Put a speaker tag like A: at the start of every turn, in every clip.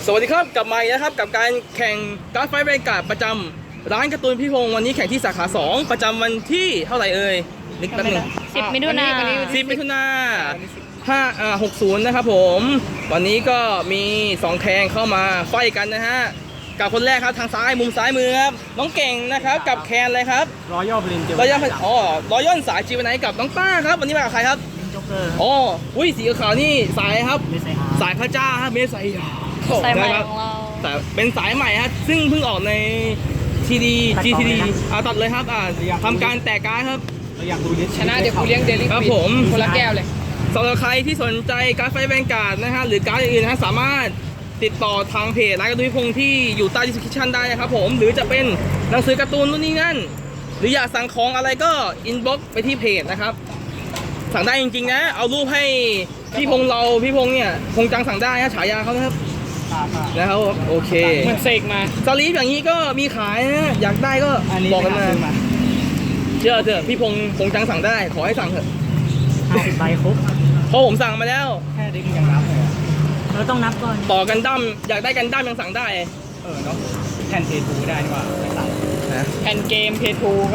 A: สวัสดีครับกลับมาอีกนะครับกับการแข่งการ์ดไฟท์แวนการ์ดประจำร้านการ์ตูนพี่พงศ์วันนี้แข่งที่สาขา 2ประจำวันที่เท่าไหร่เอ่ยนึกแป๊บนึง
B: 10 มิถุนา
A: 10 มิถุนา60นะครับผมวันนี้ก็มี2แข่งเข้ามาไฟท์กันนะฮะกับคนแรกครับทางซ้ายมุมซ้ายมือครับน้องเก่งนะครับกับแคนเลยครับ
C: รอย่อพลินเจ
A: รอยัลสายจีวันไหนกับน้องต้าครับวันนี้มากับใครครับ
C: จ็อกเกอร์
A: อ๋ออุ้ยสีขาวนี่สายครับ
C: เมสไซฮา
A: สายพระเจ้าครับเมสไซยา
B: สายใหม่
A: นะครับ
B: ของเรา
A: แต่เป็นสายใหม่ฮะซึ่งเพิ่งออกในทีดี GTD ตัดเลยครับทำการแตกการ์ดครับ
C: เราอยากดูลิสต์
D: ชนะเดี๋ยวกูเลี้ยงเดลิ
A: ครับผม
D: คนละแก้วเลย
A: สำหรับใครที่สนใจการ์ดไฟแวนการ์ดนะฮะหรือการ์ดอื่นๆนะฮะสามารถติดต่อทางเพจร้านการ์ตูนพิพงศ์ที่อยู่ใต้ description ได้นะครับผมหรือจะเป็นหนังสือการ์ตูนนู่นนี่นั่นหรืออยากสั่งของอะไรก็อินบ็อกซ์ไปที่เพจนะครับสั่งได้จริงๆนะเอารูปให้พี่พงศ์เนี่ยพงษ์จังสั่งได้นะฉายาเขานะครับนะครับโอเค
D: เหมือนเสกมา
A: สลีปอย่างนี้ก็มีขายนะอยากได้ก็
C: อันนี้
A: บอกกันมา
C: ซื้อมา
A: เชื่อเถอะพี่พงษ์จังสั่งได้ขอให้สั่งเถอะ
C: 50 ใบครบ
A: เพราะผมสั่งมาแล้ว
C: แค่เด็กยังนับเลยเราต้องนับก่อน
A: ต่อกันดั้มอยากได้กันดั้มยังสั่งได้
C: เนาะแทนเททูได้ดีกว่าไปสั่ง
A: นะ
D: แผ่นเกมเพทูก็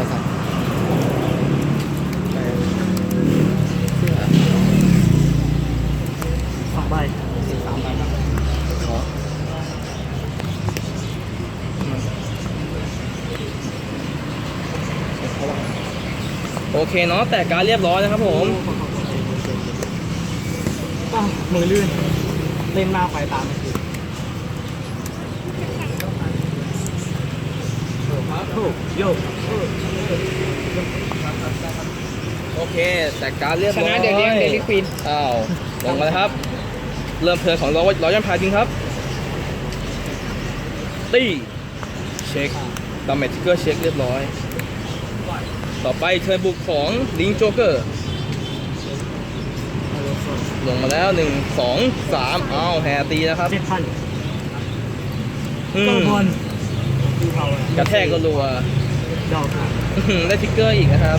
C: 2 ใบ3 ใบครับ
A: โอเคเนาะแต่การเรียบร้อยนะครับผม
C: มือลื่นเล่นมากไปตามไม่ถูกถูกโยก
A: โอเคแต่การเรียบ
D: ช
A: ร้อย
D: นะเดี๋ยวเลี้ยงเดลิควีน
A: อ้าวลงมาเลยครับเริ่มเทิร์นของร้อยยันพาจริงครับตีเช็คดาเมจทิกเกอร์เช็คเรียบร้อยต่อไปเทิร์นบุกของลิงโจ๊กเกอร์ลงมาแล้ว1 2 3อ้าวแฮตีนะครับ
C: 7,000
A: อื
C: ก็
A: ม
C: บอล
A: กระแทกก็รัว
C: ดอกครับ
A: ได้ทิกเกอร์อีกนะครับ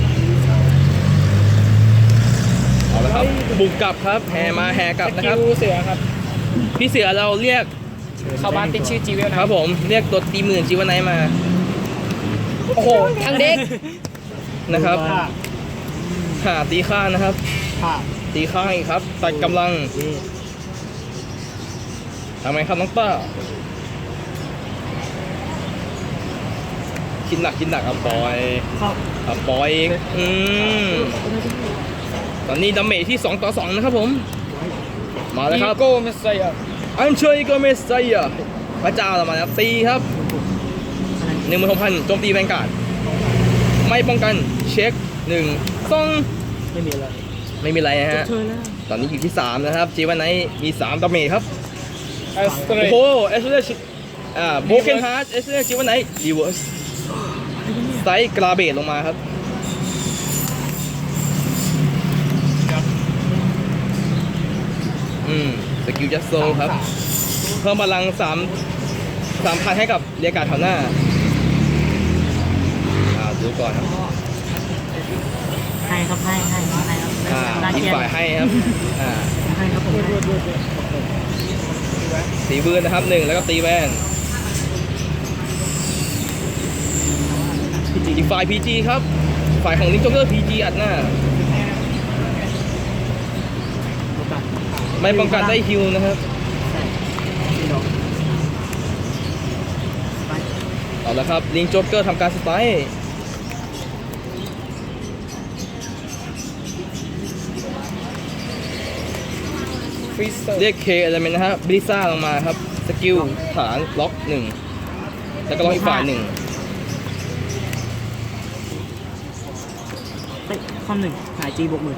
A: เอาละครับบุกกลับครับแห่มาแห่กลับ
D: ส
A: นะค
D: กิ
A: รับ
D: ลเสือครับ
A: พี่เสือเราเรียก
D: เข้าบ้านติดชื่อจีเวลนะครับ
A: ผมเรียกตัวตีหมื่นจีวันไนท์มา
D: โอ้โหทั้งเด็ก
A: นะครับ
C: ผ้า
A: หาตีข้างนะครับ
C: ผ้า
A: ตีข้างอีกครับตัดกำลังทำไมครับน้องต้าคิดหนักเอาปล่อย
C: เข้า
A: เอาปล่อยอีกตอนนี้ดาเมจที่2 ต่อ 2นะครับผมมาแล้วครับ
D: โก้เมสไซอ่ะ
A: อันเชยก็เมสไซยาพระเจ้าเรามาแล้วตีครับ16,000โจมตีแวนการ์ดไม่ป้องกันเช็ค1 2
C: ไม่มีอะไร
A: ไม่มีอะไรนะฮะ
C: เชิญแล้ว
A: ตอนนี้อยู่ที่3นะครับจีวันไนท์มี3ดาเมจครับ
D: เอสเตร
A: โอ้โหเอสเซโบเกนฮาร์ดเอสเซจีวันไนท์รีเวิร์สไซส์กราเบตลงมาครับสกิลจัสโซครับเพิ่มพลัง3,000ให้กับเรียกการ์ดแถวหน้าดูก่อนครับ
C: ให้ครับให้ครับ
A: อีกฝ่ายให้ครับ
C: ให้ครับผม
A: ตีบืนนะครับ1แล้วก็ตีแว่นอีกฝ่าย PG ครับฝ่ายของลิงโจ๊กเกอร์ PG อัดหน้าไม่ป้องกันได้ฮิวนะครับเอาละครับลิงโจ๊กเกอร์ทำการสไตล์
D: ฟรีสเตอร์
A: เรียกเคอะไรเป็นนะฮะบริซ่าลงมาครับสกิลฐานล็อก1แล้วก็ล็อกอีกฝ่าย1
C: ข้อหนึ่งหายจีบวกหมื่น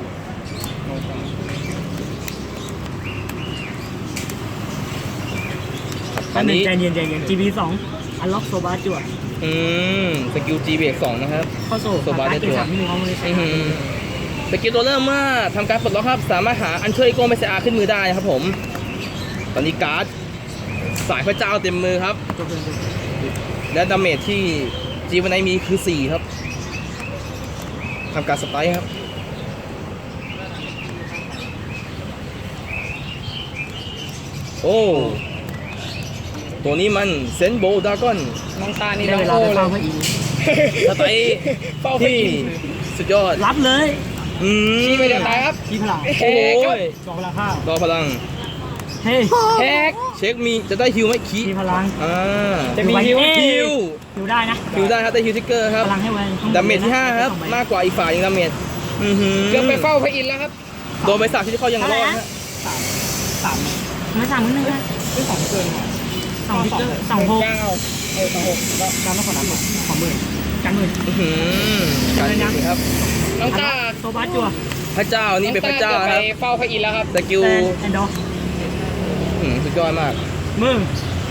A: อันนี้
C: ใจเย็นGB 2อันล็อกโซบาจั่ว
A: สกิล G เบรก2นะครับ
C: เข้าโซ่
A: โซบาได้จั่ว
C: ที่มีข้อมูล
A: สกิลตัวเริ่มเมื่อทำการปลดล็อกครับสามารถหาอันเชยโกเมสอาขึ้นมือได้นะครับผมตอนนี้การ์ดสายพระเจ้าเต็มมือครับและดาเมจที่จีวันไนมีคือ4ครับทำการสไตล์ครับโโอ้ ตัวนี้มันเซนโบดากอน
D: น้องตานี่
C: ได้
D: น้อง
C: เวลา
D: โอ้
C: ไป
D: เล
C: เฝ้าย พระอินทร์
A: สไตล์
D: เฝ้าไป
A: ที่
D: กิน
A: สุดยอด
C: รับเลย
A: อืม
D: ชี้ไปเดี๋ยวตายครับ
C: ชี้พลัง
A: โอ้ย
C: จองพลังข้าว
A: รอพลัง
C: เฮ้ย
D: แฮก
A: เช็คมีจะได้ฮิวไหมคี
C: ชี้พลัง
A: อ่า
D: จะมีฮิว
A: ฮิว
C: ฮิวได้นะ
A: ฮิวได้ครับได้ฮิวทิกเกอร์ครับ
C: พลังให้ไว้ข้งบน
A: ดาเมจที่ 5 ครับ มากกว่าอีกฝ่ายหนึงดาเมจอือหือ
D: เกือบไปเฝ้าพระอินทร์แล้วครับ
A: โดนใบสักที่เขายังรอดฮะ
C: สามไม่สั่งนิดนึงนะ
D: ซื้อของเกิน
C: สองทิกเกอร์สองหก
D: เก้าสองหกแล้ว
C: การต้องขอรับขอหมื่นกันหมื่น
A: อื้อหือการยิงครับ
D: น้องตา
C: โซบัสจัว
A: พระเจ้านี่เป็นพระเจ้า
D: น้องต
A: ครับ
D: ไปเฝ้าพระอินทร์แล้วครับ
A: สกิล
C: แอนดอร์
A: สุดยอดมาก
C: มือ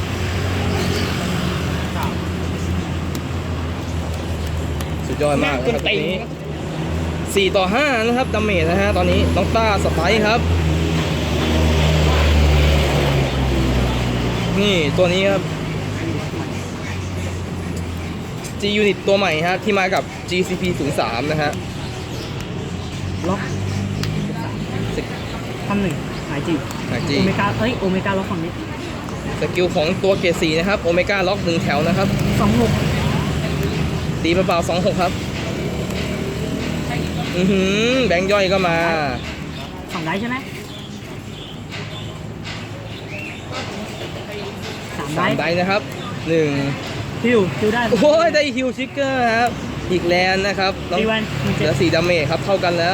A: สุดยอด
D: ห
A: มา
D: น้าก ก
A: นะ
D: น
A: ครับตร
D: ตี
A: งนี้4 ต่อ 5 นะครับดาเมจนะฮะตอนนี้น้องต้าสไปร์ครับ นี่ตัวนี้ครับ G Unit ตัวใหม่ฮะที่มากับ GCP 03นะฮะ
C: ล็อกทำหนึ่งหายจี
A: G
C: โอเมก้าโอเมก้าล็อกฝั่งนี้
A: สกิลของตัวเกรด4นะครับโอเมก้าล็อก1แถวนะครับ
C: 26
A: ตีเปล่าๆ26 ครับ แบงค์ย่อยก็มา
C: 2ได้ใช่ไหม3ได้
A: 3 ได้นะครับ1
C: ฮิวได้
A: โอ้ยได้ฮิวชิกเกอร์ครับ อีกแลนด์นะครับน้อง
C: ตีวัน1
A: เหลือ
C: 7
A: 4 ดาเมจครับ เท่ากันแล้ว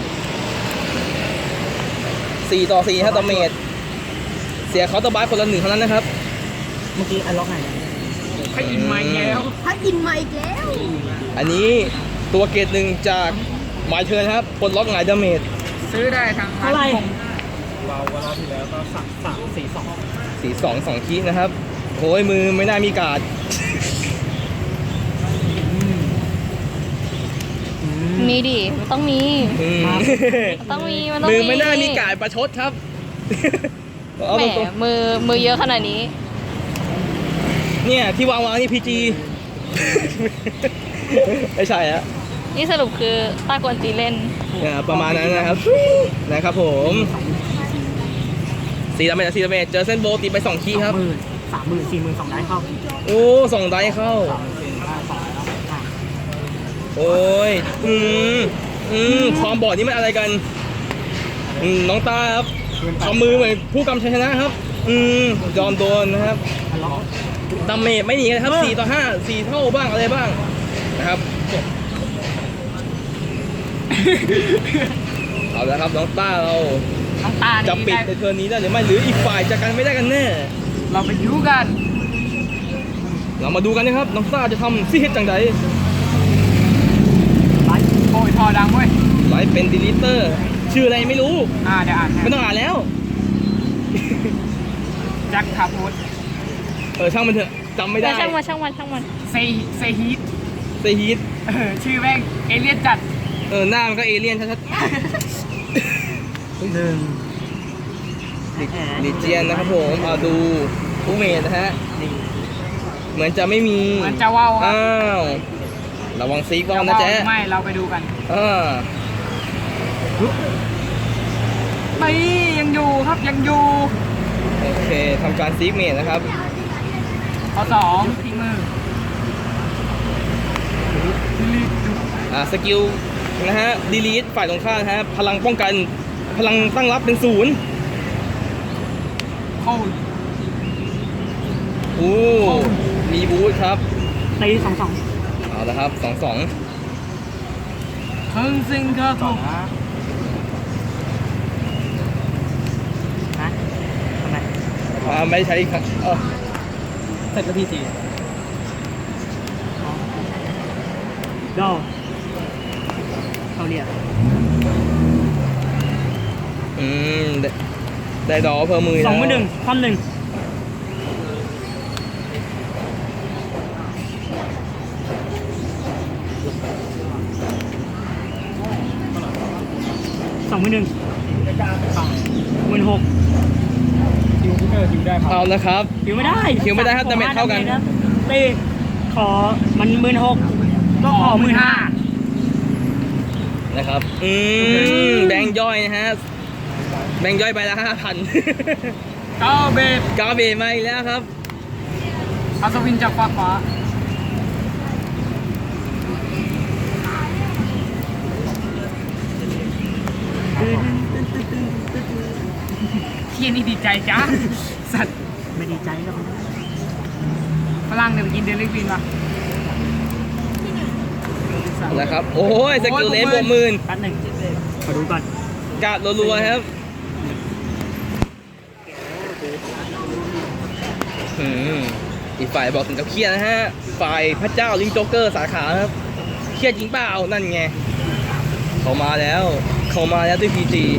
A: 4 ต่อ 4 ครับดาเมจเสียเขาน์เตอร์บาร์คนละ1เท่านั้นนะครับ
C: เมื่อกี้อันล็อกไหน
D: พระอินทร์มาอีกแล้ว
B: พัดอินมาอีกแล้ว
A: อันนี้ตัวเกรด1จากหมายเทิร์นครับปลดล็อกหงายดาเมจ
D: ซื้อได้ทาง
C: เท่าไหร่
D: เราวันที่แล้วก็3 4 2
A: 4 2 2 คีย์นะครับโอ้ยมือไม่น่ามีการ์ด
B: มีดิมันต้องมี
A: อืม
B: มันต้องมี มันต้อง
A: มื
B: มี
A: อไม่น่ามีการ์ดประชดครับ เอา
B: แหม
A: ตรง
B: มือเยอะขนาดนี้
A: ๆเนี่ยที่วางนี่ PG ไม่ใช่ฮะ
B: นี่สรุปคือตากวนตีเล่น
A: ประมาณนั้นนะครับ นะครับผม4 ดาเมจ4 ดาเมจเจอเส้นโบว์ตีไป2 คีย์ครับ
C: 30,000 40,000 2ได้เข้า
A: โอ้2 ได้เข้า โอ้ยความบอดนี่มันอะไรกัน น้องตาครับทำมือเหมือนผู้กำชัยชนะครับ ยอมโดนนะครับ
C: อันล็อก
A: ดาเมจไม่หนีนะครับ4 ต่อ 5 4 เท่าบ้างอะไรบ้างนะครับ เอาละครับน้องต้าเรา
D: น้องตา
A: จะปิดในเทอร์นนี้ได้หรือไม่หรืออีกฝ่ายจะกันไม่ได้กันแน่
D: เราไปยูกัน
A: เรามาดูกันนะครับน้องต้าจะทำซี่เฮ็ดจังใด
C: ไลท์
D: โอ้ยทอดังเว้ย
A: ไลฟ์เป็นดีลิเตอร์ชื่ออะไรไม่รู้
D: เดี๋ยวอ่านให้
A: ไม่ต้องอ่านแล้ว
D: แจ็คคาพูด
A: ช่างมันเถอะจำไม่ได้
B: ช่างมัน
D: เซฮีท
A: เซฮีท
D: ชื่อแม่งเอเลี่ยนจัด
A: หน้ามันก็เอเลี่ยนชัด
C: หนึ่ง
A: ๆลิเจียนนะครับผมเอาดูผู้เมดนะฮะ เหมือนจะไม่มี
D: มันจะว่าวครับ
A: อ้าวระวังซีกบอลนะแจ๊
D: ไม่เราไปดูกัน ไม่ยังอยู่ครับยังอยู่
A: โอเคทำการซีกเมดนะครับ
D: ข้อ2ทิ้งมือ
A: สกิลนะฮะดีลีทฝ่ายตรงข้ามนะฮะพลังป้องกันพลังตั้งรับเป็น0
D: โอ้ย
A: โอ้มีบูทครับ
C: ตี2
A: เอาละครับ2-2
D: เพิ่งซิงครับผม
C: นะทำไม
A: ไม่ใช้ครับ
C: เสร็จแล้วพี่จีดอเขาเรียก
A: ได้ดอเพิ่มมือ
C: 2
A: แล้ว
C: มือ 1 ความ 1 2 มือ 1 16,000
D: ฮิวเกอร์ฮิวได้ครับ
A: เอาละครับ
C: หิวไม่ได้
A: หิวไม่ได้ครับดาเมจเท่ากัน
C: ตีขอมัน16,000ก็ขอ15,000
A: นะครับแบงค์ย่อยนะฮะแบงค์ย่อยไปละ5,000
C: ก้าวเบส
A: กาเบมาอีกแล้วครับ
C: อัศวินจากฟ้าฟ้าเที่ยนี่ดีใจจ้าสัตว์ไม่ดีใจหรอกฝรั่งเนี่ยมันกินเดลิวินวะ
A: นะครับ โอ้ยสกิลเลนบวกหมื่น
C: แป๊บหนึ่งขอดูก่อน
A: กาดรัวๆครับอีกฝ่ายบอกถึงกับเครียดนะฮะ ฝ่ายพระเจ้าลิงโจ๊กเกอร์สาขาครับ เครียดจริงเปล่า นั่นไง เขามาแล้วด้วยพีจี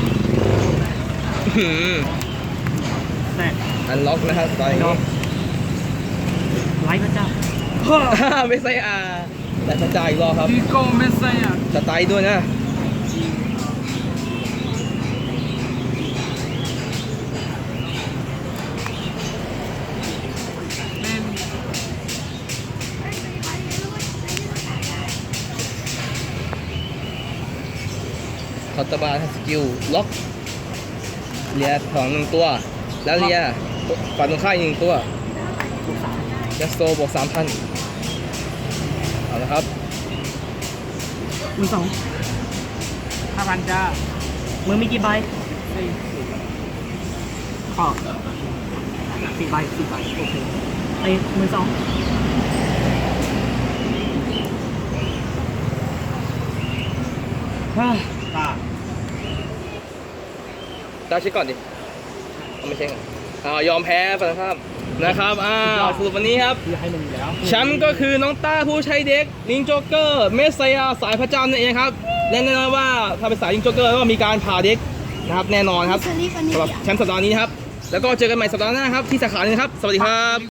C: แต่
A: อันล็อกนะครับตอนนี้
C: ไลฟ์พระเจ้า
A: ไม่ใช่แต่พระเจ้าอีกรอบครับ
C: พี่โก้ไม่ใช่อ่ะ
A: สไตล์ด้วยนะคอตบาร์สกิลล็อกเลียของหนึ่งตัว แล้วเลียฝ่ายตรงข้ามอีกหนึ่งตัวยัสโซบวก 3,000 เอาละครับ
C: มือ2,000จ้ามือมีกี่ใบขอ4 ใบโอเคไอ้มือ 2
A: ตาเช็คก่อนดิเอาไม่เช็คยอมแพ้ไปนะครับสรุปวันนี้ครับ
C: คือให้มันอยู่แล้ว
A: แชมป์ก็คือน้องต้าผู้ใช้เด็กลิงโจ๊กเกอร์เมสไซยาสายพระเจ้านั่นเองครับและแน่นอนว่าถ้าเป็นสายลิงโจ๊กเกอร์ก็มีการผ่าเด็กนะครับแน่นอนครับสำหรับแชมป์สัปดาห์นี้นะครับแล้วก็เจอกันใหม่สัปดาห์หน้าครับที่สาขาหนึงครับสวัสดีครับ